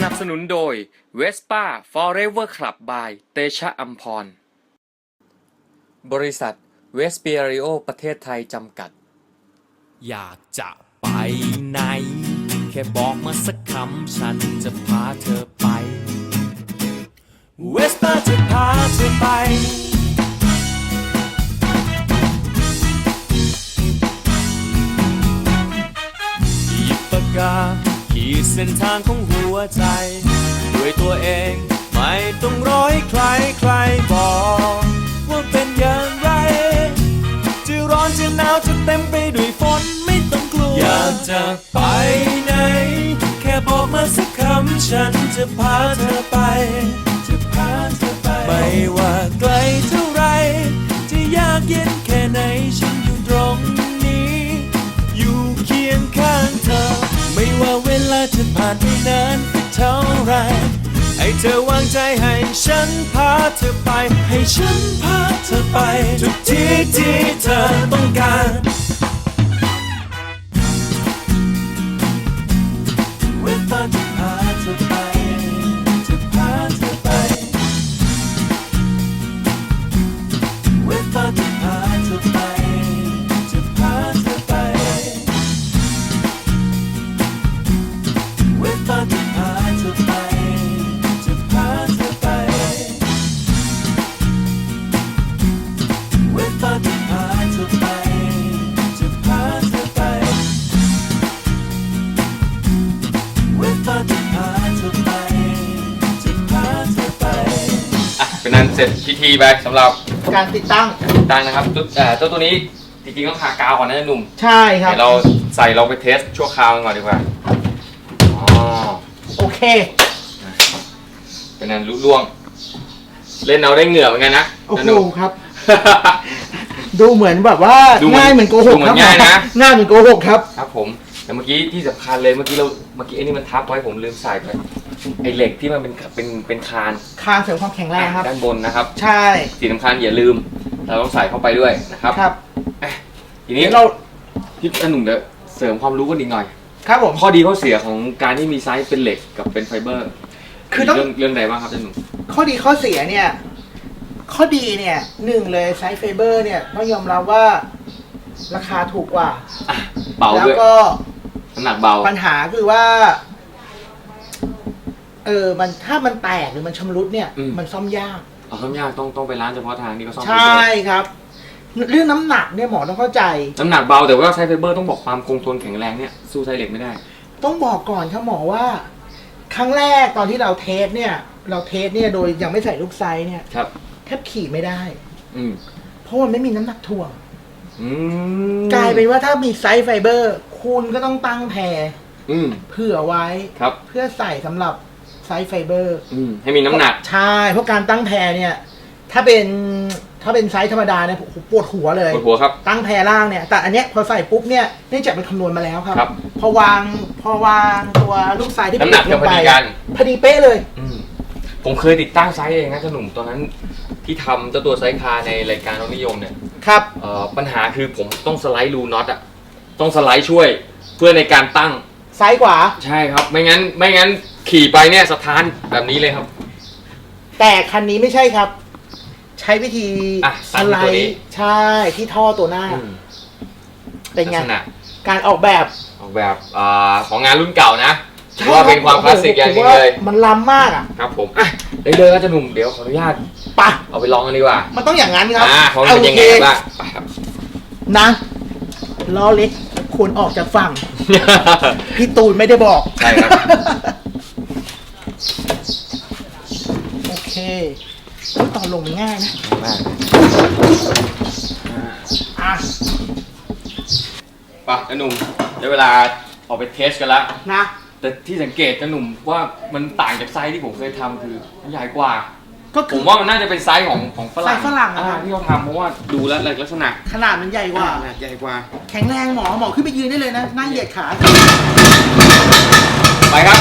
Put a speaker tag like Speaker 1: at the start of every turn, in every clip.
Speaker 1: นับสนุนโดย Vespa Forever Club by เตชะอัมพรบริษัทเวสเปียริโอประเทศไทยจำกัด
Speaker 2: อยากจะไปไหนแค่บอกมาสักคำฉันจะพาเธอไปเวสป้าจะพาเธอไปหยิบปากกาขีดเส้นทางของหัวใจด้วยตัวเองไม่ต้องรอให้ใครบอกว่าเป็นอย่างไรจะร้อนจะหนาวจะเต็มไปด้วยฝนไม่ต้องกลัวอยากจะไปไหนแค่บอกมาสักคำฉันจะพาเธอไปไม่ว่าไกลเท่าไรจะยากเย็นแค่ไหนฉันอยู่ตรงนี้อยู่เคียงข้างเธอไม่ว่าเวลาจะผ่านไปนานสักเท่าไรให้เธอวางใจให้ฉันพาเธอไปให้ฉันพาเธอไปทุกที่ที่เธอต้องการเวลาจะพาเธอไปจะพาเธอไปเวลาจะพาเธอไปจะพาเธอไปเวลาจะพาเธอไป
Speaker 1: เป็นนั้นเสร็จพิธีไปสำหรับ
Speaker 3: การติดตั้ง
Speaker 1: นะครับตัวนี้จริงๆต้องทากาวก่อนนะหนุ่ม
Speaker 3: ใช่ครับ
Speaker 1: เดี๋ยวเราใส่เราไปเทสชั่วคราวกันก่อนดีกว่า
Speaker 3: โอเค
Speaker 1: เป็นนั้นลุล่วงเล่นเอาได้เหงื่อเหมือนกันนะ
Speaker 3: โอ้โหครับดูเหมือนแบบว่าง่ายเหมือนโกหกครับ
Speaker 1: ง่ายนะ
Speaker 3: ง่ายเหมือนโกหกครับ
Speaker 1: ครับผมแต่เมื่อกี้ที่สำคัญเลยเมื่อกี้ไอ้นี่มันทับไว้ผมลืมใส่ไปไอ้เหล็กที่มันเป็นคาน
Speaker 3: เสริมความแข็งแรงครับ
Speaker 1: ด้านบนนะครับ
Speaker 3: ใช่
Speaker 1: สิ่งสำคัญอย่าลืมเราต้องใส่เข้าไปด้วยนะครับ
Speaker 3: ครับ
Speaker 1: ทีนี้เราพี่หนุ่มเดี๋ยวเสริมความรู้กันอีกหน่อย
Speaker 3: ครับผม
Speaker 1: ข้อดีข้อเสียของการที่มีไซส์เป็นเหล็กกับเป็นไฟเบอร์
Speaker 3: คือต้อง
Speaker 1: เรื่องใดบ้างครับท่านหนุ่ม
Speaker 3: ข้อดีข้อเสียเนี่ยข้อดีเนี่ยหนึ่งเลยไซส์ไฟเบอร์เนี่ยต้องยอมรับว่าราคาถูกกว่า
Speaker 1: เบาด้วย
Speaker 3: แล้วก็
Speaker 1: น้ำหนักเบา
Speaker 3: ปัญหาคือว่ามันถ้ามันแตกหรือมันชำรุดเนี่ยมันซ่อมยาก
Speaker 1: ซ่อมยากต้องไปร้านเฉพาะทางนี่ก็ซ่อม
Speaker 3: ใช่ครับเรื่องน้ำหนักเนี่ยหมอต้องเข้าใจ
Speaker 1: น้ำหนักเบาแต่ว่าไซส์ไฟเบอร์ต้องบอกความคงทนแข็งแรงเนี่ยสู้ไซส์เหล็กไม่ได้
Speaker 3: ต้องบอกก่อนครับหมอว่าครั้งแรกตอนที่เราเทสเนี่ยโดยยังไม่ใส่ลูกไซส์เนี่ยแทบขี่ไม่ได้เพราะมันไม่มีน้ำหนักถ่วงกลายเป็นว่าถ้ามีไซส์ไฟเบอร์คุณก็ต้องตั้งแพรเผื่อไว้เพื่อใส่สำหรับไซส์ไฟเบอร์
Speaker 1: ให้มีน้ำหนัก
Speaker 3: ใช่เพราะการตั้งแพรเนี่ยถ้าเป็นไซส์ธรรมดาเนี่ยปวดหัวเลย
Speaker 1: ปวดหัวครับ
Speaker 3: ตั้งแพรล่างเนี่ยแต่อันเนี้ยพอใส่ปุ๊บเนี่ยเนื่องจากเป็นคำนวณมาแล้วครับพอวางตัวลูกไซส์ที่
Speaker 1: น้ำหนักจะพอดีกัน
Speaker 3: พอดีเป๊ะเลย
Speaker 1: ผมเคยติดตั้งไซส์เองนะเจ้าหนุ่มตอนนั้นที่ทำเจ้าตัวไซส์คาในรายการรถนิยมเนี่ย
Speaker 3: ครับ
Speaker 1: ปัญหาคือผมต้องสไลด์รูน็อตต้องสไลด์ช่วยเพื่อในการตั้ง
Speaker 3: ซ้ายขวา
Speaker 1: ใช่ครับไม่งั้นขี่ไปเนี่ยสถานแบบนี้เลยครับ
Speaker 3: แต่คันนี้ไม่ใช่ครับใช้วิธีสไลด์ใช่ที่ท่อตัวหน้าเป็นไงการออกแบบ
Speaker 1: ของงานรุ่นเก่านะว่าเป็นความคลาสสิกอย่างนี้เลย
Speaker 3: มันล้ำมาก
Speaker 1: ครับผมเดินก็จะหนุ่มเดี๋ยวขออนุญาต
Speaker 3: ปะ
Speaker 1: เอาไปลองกันดีกว่า
Speaker 3: มันต้องอย่างนั้นครับ
Speaker 1: ของเป็นยังไงบ้าง
Speaker 3: นะล้อเล็กควรออกจากฝั่งพี่ตูนไม่ได้บอก
Speaker 1: ใช่ครับ
Speaker 3: โอเคตอนลงมันง่ายนะ
Speaker 1: มากป่ะหนุ่มได้เวลาออกไปเทสกันแล้ว
Speaker 3: นะ
Speaker 1: แต่ที่สังเกตหนุ่มว่ามันต่างจากไซส์ที่ผมเคยทำคือมันใหญ่กว่าผมว่ามันน่าจะเป็นไซส์ของฝรั่งที่เขาทำเพราะว่าดูแล้วลักษณะ
Speaker 3: ขนาดมันใหญ่กว่าแข็งแรงหมอขึ้นไปยืนได้เลยนะนั่งเหยียดขา
Speaker 1: ไปครับ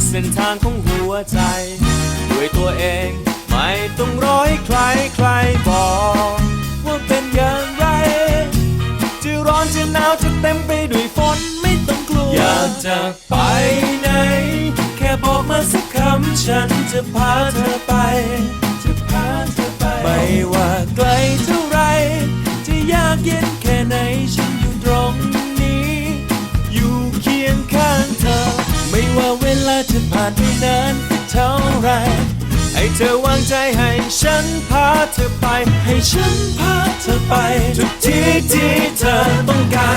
Speaker 2: เส้นทางของหัวใจ ด้วยตัวเองไม่ต้องร้อยใครใครบอกว่าเป็นอย่างไร จะร้อนจะหนาวจะเต็มไปด้วยฝนไม่ต้องกลัว อยากจะไปไหน แค่บอกมาสักคำฉันจะพาเธอไป จะพาเธอไป ไม่ว่าไกลเท่าไร จะยากเย็นแค่ไหนฉันอยู่ตรงนี้ อยู่เคียงข้างเธอ ไม่ว่าเวลาจะผ่านไปนานสักเท่าไร ให้เธอวางใจให้ฉันพาเธอไป ให้ฉันพาเธอไป ทุกที่ที่เธอต้องการ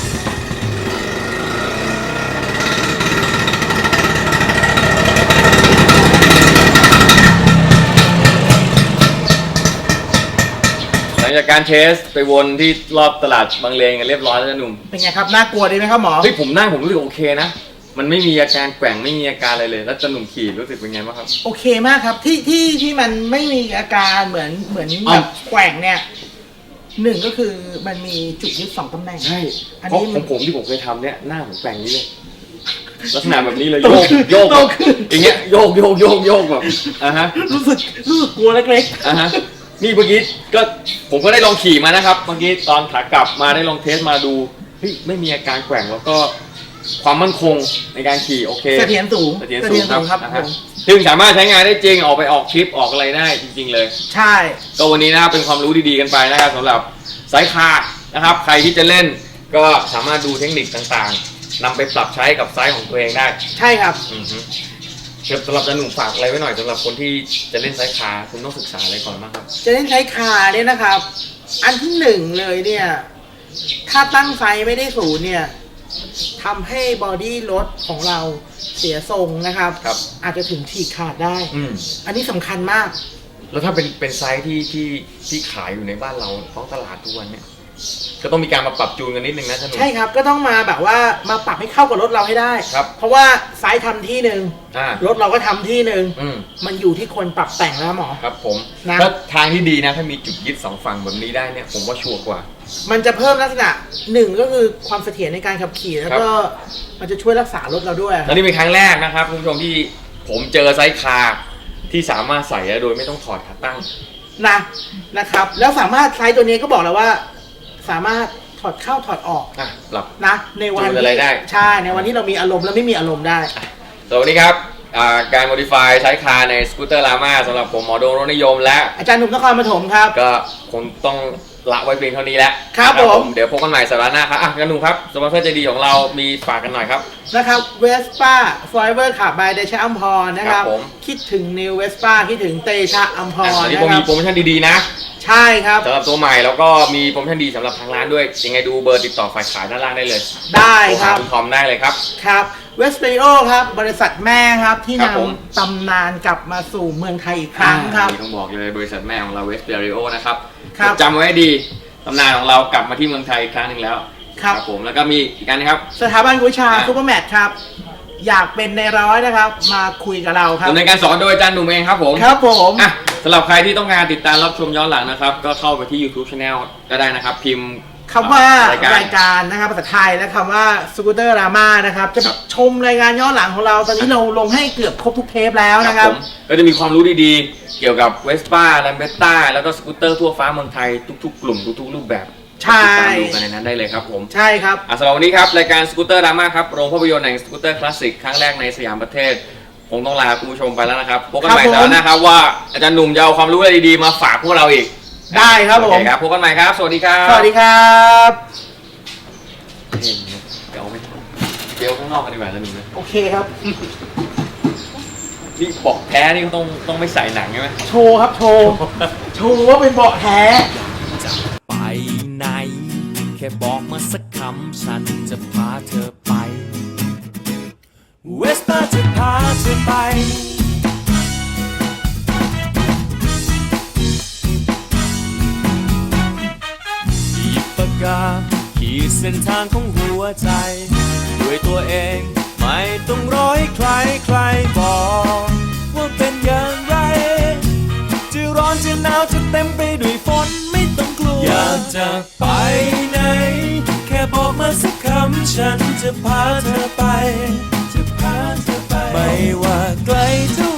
Speaker 1: หลังจากการเทสไปวนที่รอบตลาดบางเลนกันเรียบร้อยแล้วนะหนุ่ม
Speaker 3: เป็นไงครับน่ากลัวดีไหมครับหมอ
Speaker 1: เฮ้ยผมนั่งผมรู้สึกโอเคนะมันไม่มีอาการแกว่งไม่มีอาการอะไรเลยแล้วจะหนุ่มขี่รู้สึกเป็นไงบ้างครับ
Speaker 3: โอเคมากครับที่มันไม่มีอาการเหมือน
Speaker 1: อ้าว
Speaker 3: แบบแกว่งเนี่ยหนึ่งก็คือมันมีจุดยึด2ตำแหน่ง
Speaker 1: ใช่
Speaker 3: อัน
Speaker 1: เพราะ
Speaker 3: นี้
Speaker 1: ของผมที่ผมเคยทำเนี่ยหน้าผมแกว่งนี้เลยลักษณะแบบนี้เลย
Speaker 3: โต
Speaker 1: โยก
Speaker 3: ขึ้น
Speaker 1: โยก
Speaker 3: โตขึ้น
Speaker 1: อย่างเงี้ยโยกแบบฮะ
Speaker 3: รู้สึกกลัวเล็ก
Speaker 1: ฮะนี่เมื่อกี้ก็ผมก็ได้ลองขี่มานะครับเมื่อกี้ตอนขากลับมาได้ลองเทสมาดูเฮ้ยไม่มีอาการแกว่งแล้วก็ความมั่นคงในการขี่โอเค
Speaker 3: ๆเสถียรสูง
Speaker 1: เสถียรสูงครับ
Speaker 3: ผ
Speaker 1: นะฮะ
Speaker 3: ม
Speaker 1: ซึ่งสามารถใช้งานได้จริงออกไปออกทริปออกอะไรได้จริง ๆ เลย
Speaker 3: ใช่
Speaker 1: ก็วันนี้นะครับเป็นความรู้ดีๆกันไปนะครับสำหรับสายคานะครับใครที่จะเล่นก็สามารถดูเทคนิคต่างๆนำไปปรับใช้กับไซส์ของตัวเองได้
Speaker 3: ใช่ครับ
Speaker 1: อือฮึเดี๋ยวสำหรับจะหนุ่มฝากอะไรไว้หน่อยสำหรับคนที่จะเล่นไซส์คาคุณต้องศึกษาอะไรก่อนบ้างครับ
Speaker 3: จะเล่นใช้คาเนี่ยนะครับ อันที่หนึ่งเลยเนี่ยถ้าตั้งไฟไม่ได้ศูนย์เนี่ยทำให้บอดี้รถของเราเสียทรงนะครับ
Speaker 1: ครับ
Speaker 3: อาจจะถึงฉีกขาดได้
Speaker 1: อืม
Speaker 3: อันนี้สำคัญมาก
Speaker 1: แล้วถ้าเป็นไซส์ที่ขายอยู่ในบ้านเราท้องตลาดทุกวันเนี่ยก็ต้องมีการมาปรับจูนกันนิดนึงนะท่านหนุ่ม
Speaker 3: ใช่ครับก็ต้องมาแบบว่ามาปรับให้เข้ากับรถเราให้ได้
Speaker 1: ครับ
Speaker 3: เพราะว่าไซส์ทำที่หนึ่ง
Speaker 1: อ่าร
Speaker 3: ถเราก็ทำที่หนึ่ง
Speaker 1: อืม
Speaker 3: มันอยู่ที่คนปรับแต่งแล้วหมอ
Speaker 1: ครับผม
Speaker 3: นะ
Speaker 1: ถ้าทางที่ดีนะถ้ามีจุดยึดสองฝั่งแบบนี้ได้เนี่ยผมว่าชัวร์กว่า
Speaker 3: มันจะเพิ่มลักษณะหนึ่งก็คือความเสถียรในการขับขี่แล้วก็มันจะช่วยรักษารถเราด้วย
Speaker 1: แล้วนี่เป็นครั้งแรกนะครับคุณผู้ชมที่ผมเจอไซส์คาที่สามารถใส่ได้โดยไม่ต้องถอดขาตั้ง
Speaker 3: นะครับแล้วสามารถไซส์ตัวนี้ก็บอกแล้วว่า สามารถถอดเข้าถอดออก
Speaker 1: ปรับ
Speaker 3: นะในวัน
Speaker 1: จูนอะไรได้
Speaker 3: ใช่ในวันที่เรามีอารมณ์และไม่มีอารมณ์ได้
Speaker 1: สวัสดีครับการ modify ใช้คาในสกูตเตอร์ลาม่าสำหรับผมหมอโดนรถนิยมและ
Speaker 3: อาจารย์หนุ่มนครปฐมครับ
Speaker 1: ก็คงต้องละไว้เพียงเท่านี้แล้ว
Speaker 3: ครับ
Speaker 1: นะ
Speaker 3: ผม
Speaker 1: เดี๋ยวพบกันใหม่สัปดาห์หน้าครับกันหนุ่มครับสปอนเซอร์ใจดีของเรามีฝากกันหน่อยครับ
Speaker 3: นะครับเวสป้าฟลอยเวอร์ขับบายเดชะอัมพรนะครับ
Speaker 1: ครับผม
Speaker 3: คิดถึงนิวเวสป้าคิดถึงเตชะอัมพร
Speaker 1: ตอนนี้
Speaker 3: นะ
Speaker 1: ผม
Speaker 3: ครั
Speaker 1: มี
Speaker 3: บ
Speaker 1: โปรโมชั่นดีๆนะ
Speaker 3: ใช่ครับ
Speaker 1: สำหรับตัวใหม่แล้วก็มีโปรโมชั่นดีสำหรับทางร้านด้วยยังไงดูเบอร์ติดต่อฝ่ายขายด้านล่างได้เลย
Speaker 3: ได้ครับ
Speaker 1: โทหาคุณทอมได้เลยครับ
Speaker 3: ครับเวสเปริโอครับบริษัทแม่ครับที่
Speaker 1: ครับผม
Speaker 3: นำตำนานกลับมาสู่เมืองไทยอีกครั้งครับ
Speaker 1: นี่ต้องบอกเลยบริษัทแม่ของเราเวสเปียริโอนะครับ
Speaker 3: ครับ
Speaker 1: จำไว้ให้ดีตำนานของเรากลับมาที่เมืองไทยอีกครั้งหนึ่งแล้ว
Speaker 3: ครับ
Speaker 1: ผมแล้วก็มีอีกอันนะครับ
Speaker 3: สถาบันกุยชา
Speaker 1: อ่ะ
Speaker 3: ซูเปอร์แมทครับ อยากเป็นในร้อยนะครับ มาคุยกับเราครับ
Speaker 1: ดำเนินการสอนโดยอาจารย์หนุ่มเองครับผม
Speaker 3: ครับผม
Speaker 1: อ่ะสำหรับใครที่ต้องการติดตามรับชมย้อนหลังนะครับ ก็เข้าไปที่ YouTube Channel ก็ได้นะครับ พิมพ์
Speaker 3: คำว่าร
Speaker 1: ายการ
Speaker 3: รายการนะครับภาษาไทยและคำว่าสกูตเตอร์รามานะครับจะ
Speaker 1: ครับ
Speaker 3: ชมรายการย้อนหลังของเราตอนนี้เราลงให้เกือบครบทุกเทปแล้วนะครับ
Speaker 1: ผมก็จะมีความรู้ดีๆ เกี่ยวกับเวสป้าแลมเบตต้าแล้วก็สกูตเตอร์ทั่วฟ้าเมืองไทยทุกๆ กลุ่มทุกๆ รูปแบบ
Speaker 3: ใช่
Speaker 1: ติดตามดูกันในนั้นได้เลยครับผม
Speaker 3: ใช่ครับ
Speaker 1: สำหรับวันนี้ครับรายการสกูตเตอร์ดราม่าครับโรงภาพยนตร์แห่งสกูตเตอร์คลาสสิกครั้งแรกในสยามประเทศคงต้องลาคุณผู้ชมไปแล้วนะครับพบกันใหม่
Speaker 3: ครับผม
Speaker 1: สัปดาห์หน้าครับว่าอาจารย์หนุ่มจะเอาความรู้อะไรดีๆมาฝากพวกเราอีก
Speaker 3: ได้ครับผม
Speaker 1: โอเคครับพบกันใหม่ครับ สวัสดีครับ
Speaker 3: สวัสดีครับ
Speaker 1: เดี๋ยวเอาไปเดี๋ยวข้างนอกกันดีกว่าอาจารย์หนุ่มนะ
Speaker 3: โอเคครับ
Speaker 1: นี่บอกแท้นี่ก็ต้องไม่ใส่หนังใช่ไหม
Speaker 3: โชว์ครับโชว์โชว์ว่าเป็นเบาะแท้
Speaker 2: จะไปไหน แค่บอกมาสักคำฉันจะพาเธอไป เวสป้าจะพาเธอไป หยิบปากกาขีดเส้นทางของหัวใจ ด้วยตัวเองไม่ต้องร้อยใครใครบอกว่าเป็นอย่างไร จะร้อนจะหนาวจะเต็มไปด้วยฝนไม่ต้องกลัว อยากจะไปไหน แค่บอกมาสักคำฉันจะพาเธอไป จะพาเธอไปไม่ว่าไกลเท่า